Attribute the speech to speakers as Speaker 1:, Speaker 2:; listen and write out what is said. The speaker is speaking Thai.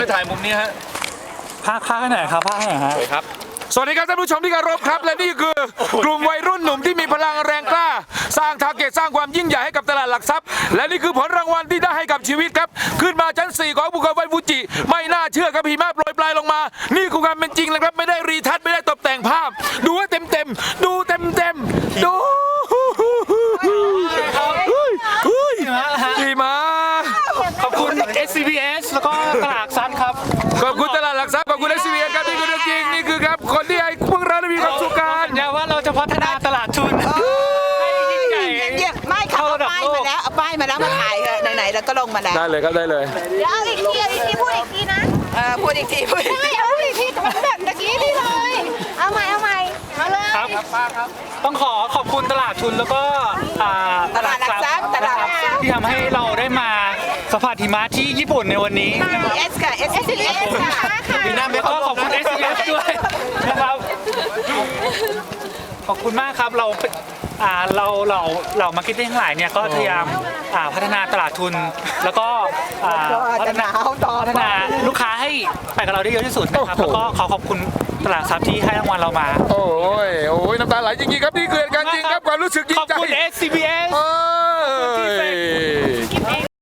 Speaker 1: ไปถ่ายมุมนี้ฮะ
Speaker 2: ภาคให้หน่อยครับภาคให้หน่อยฮะ
Speaker 1: ครับสวัสดีครับท่านผู้ชมที่เคารพครับและนี่คือกลุ่มวัยรุ่นหนุ่มที่มีพลังแรงกล้าสร้างทาร์เก็ตสร้างความยิ่งใหญ่ให้กับตลาดหลักทรัพย์และนี่คือผลรางวัลที่ได้ให้กับชีวิตครับขึ้นมาชั้น 4ของภูเขาไฟฟูจิไม่น่าเชื่อครับหิมะโปรยปลายลงมานี่คือความเป็นจริงเลยครับไม่ได้รีทัชไม่ได้ตกแต่งภาพดูว่าเต็มดูเต็มดูหิมะ
Speaker 2: ขอบคุณ SCBS แล้วก็ตลาดซันครับ
Speaker 1: ขอบคุณตลาดหลักทรัพย์ขอบคุณ SCBS ครับนี่คือเรื่องจริงนี่คือครับคนที่ให้พวกเราได้มีความสุขกัน
Speaker 2: อย่าว่าเราจะพัฒนาตลาดทุนให้ยิ่งใหญ่
Speaker 3: ไม่ค่ะเอาป้ายมาแล้วเอาป้ายมาแล้วมาถ่ายเถอะไหนๆแล้วก็ลงมาแล้ว
Speaker 1: ได้เลยครับได้เลย
Speaker 4: เดี๋ยวเอาอีกทีพูดอีกทีนะ
Speaker 3: พูดอีกทีพูดอีกที
Speaker 4: ไม่เอาอีกทีแบบตะกี้นี่เลย เอาใหม่เอาเลย
Speaker 2: ครับต้องขอบคุณตลาดทุนแล้วก็
Speaker 3: ตลาดหลักทรัพย์ตลาดหลักทรัพย์
Speaker 2: ที่ทำให้เราได้มาสัมผัสหิมะที่ญี่ปุ่นในวันนี้นะครับ
Speaker 3: S ค่ะ S S ค่ะ
Speaker 2: แล้วก็ขอบคุณ SCBS ด้วยนะครับขอบคุณมากครับเรามาร์เก็ตติ้งทั้งหลายเนี่ยก็พยายามพัฒนาตลาดทุนแล้วก็พัฒนาลูกค้าให้ไปกับเราได้เยอะที่สุดนะครับแล้วก็ขอบคุณตลาดทรัพย์ที่ให้รางวัลเรามา
Speaker 1: โอ้ยน้ำตาไหลจริงๆครับนี่คือเหตุการณ์จริงครับความรู้สึกยิ่
Speaker 2: ขอบ
Speaker 1: งใจ
Speaker 2: คุณ SCBS